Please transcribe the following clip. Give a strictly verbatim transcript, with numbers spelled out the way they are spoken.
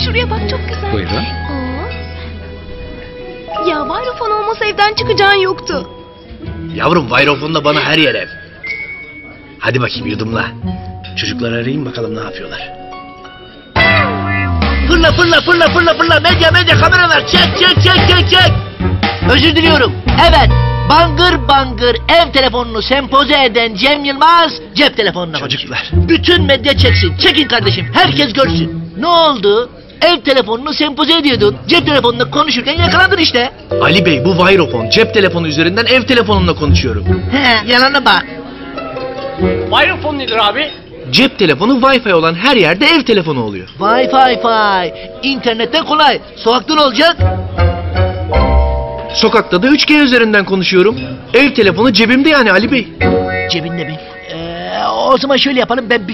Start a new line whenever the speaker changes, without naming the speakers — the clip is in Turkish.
Şuraya bak, çok güzel.
Buyurun.
Aa. Ya Vayrofon olmasa evden çıkacağın yoktu.
Yavrum Vayrofon'da bana her yer ev. Hadi bakayım yudumla. Çocukları arayayım bakalım ne yapıyorlar. Fırla fırla fırla fırla fırla. Medya medya kameralar. Çek çek çek çek çek.
Özür diliyorum. Evet. Bangır bangır ev telefonunu sempoze eden Cem Yılmaz cep telefonuna
Çocuklar.
konuşuyor. Bütün medya çeksin. Çekin kardeşim. Herkes görsün. Ne oldu? Ev telefonunu sempoze ediyordun. Cep telefonunda konuşurken yakalandın işte.
Ali Bey bu Vayrofon. Cep telefonu üzerinden ev telefonumla konuşuyorum.
He, yalana bak.
Vayrofon nedir abi?
Cep telefonu Wi-Fi olan her yerde ev telefonu oluyor.
Vay fay fay. İnternetten kolay. Sokakta ne olacak?
Sokakta da üç G üzerinden konuşuyorum. Ev telefonu cebimde yani Ali Bey.
Cebinde mi? Ee, o zaman şöyle yapalım. Ben bir